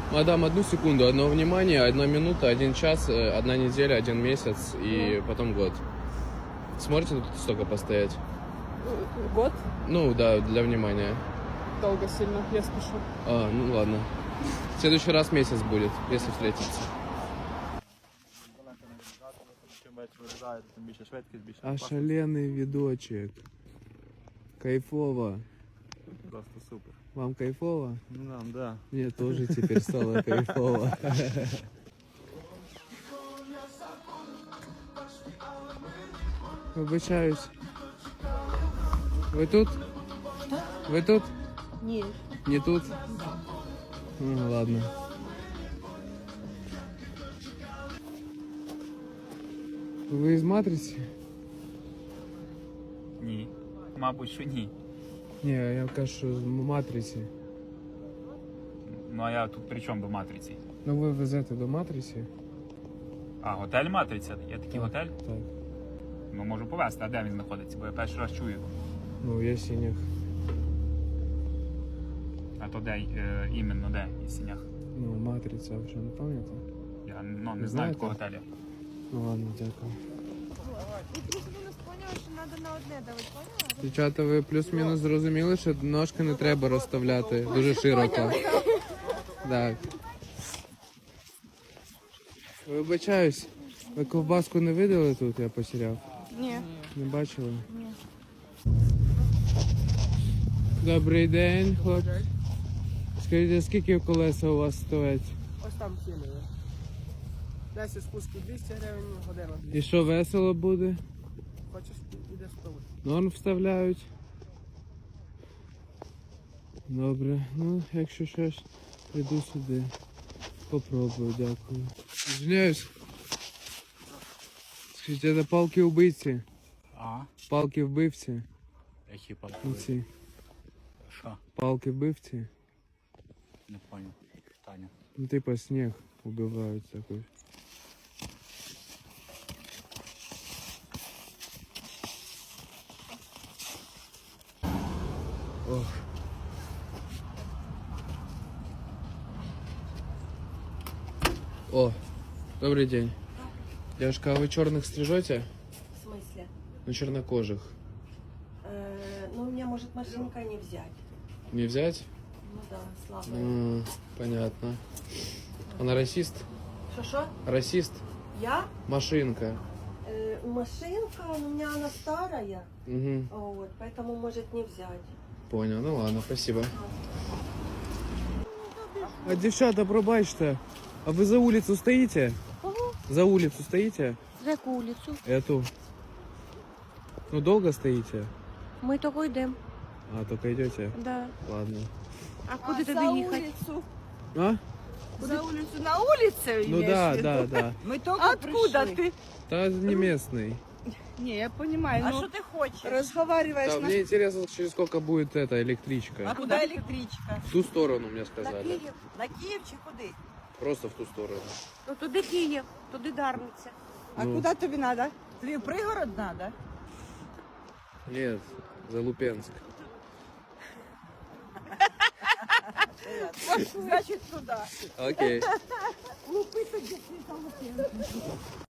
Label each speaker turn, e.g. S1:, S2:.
S1: Мадам, одну секунду, одно внимание, 1 минута, 1 час, 1 неделя, 1 месяц и потом год. Сможете тут столько постоять?
S2: Год?
S1: Ну да, для внимания.
S2: Долго сильно, я спешу.
S1: Ну ладно. В следующий раз месяц будет, если встретиться. Ошалений відочек. Кайфово.
S3: Просто супер.
S1: Вам кайфово?
S3: Нам, да.
S1: Мне тоже теперь стало кайфово. Вибачаюсь. Ви тут? Ви тут?
S4: Ні.
S1: Не тут? Ну, ладно. Ви із матриці?
S3: Ні. Мабуть, що ні.
S1: Ні, я кажу, що з матриці.
S3: Ну а я тут при чому до матриці?
S1: Ну ви везете до матриці?
S3: А, готель Матриця? Є такий готель?
S1: Так.
S3: Ну можу повезти, а де він знаходиться? Бо я перший раз чую.
S1: Ну, я синіх.
S3: А то де іменно де і сінях?
S1: Ну, матриця, ви що не пам'ятаєте?
S3: Я не знаю
S1: знаєте?
S3: такого готеля.
S1: Ну ладно, дякую.
S4: І просто ви нас поняли, що треба на одне давати, поняла?
S1: Дівчата, ви плюс-мінус зрозуміли, що ножки не треба розставляти дуже широко. Так. Вибачаюсь, ви ковбаску не видали тут, я потеряв?
S2: Ні.
S1: Не бачили? Ні. Добрий день, хлопці. Скажіть, скільки колеса у вас стоять?
S2: Ось там ціни. 10 спусків 200 гривень, година 200.
S1: І що, весело буде?
S2: Хочеш, іде спробуй.
S1: Норм вставляють. Добре, ну якщо щось, прийду сюди. Попробую, дякую. Извиняюсь. Скажіть, це палки убивці?
S3: А?
S1: Палки вбивці?
S3: Які палки?
S1: Оці.
S3: Що?
S1: Палки вбивці?
S3: Не понял. Питання.
S1: Ну типа снег убивають такой. Ох. О, добрый день. Девушка, а вы черных стрижете?
S4: В смысле?
S1: Ну, чернокожих.
S4: Ну, у меня может машинка не взять.
S1: Не взять?
S4: Ну да, слабая.
S1: Понятно. Она расист?
S4: Что-что?
S1: Расист?
S4: Я?
S1: Машинка.
S4: Машинка, у меня она старая.
S1: Угу.
S4: Вот, поэтому может не взять.
S1: Понял, ну ладно, спасибо. А девчата, пробачте, а вы за улицу стоите?
S4: Кого?
S1: За улицу стоите?
S4: За яку улицу?
S1: Эту. Ну долго стоите?
S4: Ми тільки йдемо.
S1: А, только идете?
S4: Да.
S1: Ладно.
S4: А куди туди їхати?
S1: А?
S5: За улицу, на улице
S1: Ну
S5: имеешь
S1: да,
S5: в виду?
S1: да, да.
S5: Мы только
S2: Откуда
S5: пришли.
S2: ты?
S1: Да не местный.
S5: Не, я понимаю,
S2: А
S5: но
S2: что ты хочешь?
S5: разговариваешь
S1: Да,
S5: на...
S1: мне интересно, через сколько будет эта
S5: А
S1: электричка.
S5: куда электричка?
S1: В ту сторону мне
S5: На
S1: сказали.
S5: Киев? На Киев чи куди?
S1: Просто в ту сторону.
S4: Ну туди Київ, туди Дарниця.
S5: А
S1: Ну.
S5: куда тобі надо? Тобі в пригород надо?
S1: Нет, за Лупенск.
S5: Значит, туда.
S1: Окей.
S5: Лупи тоді,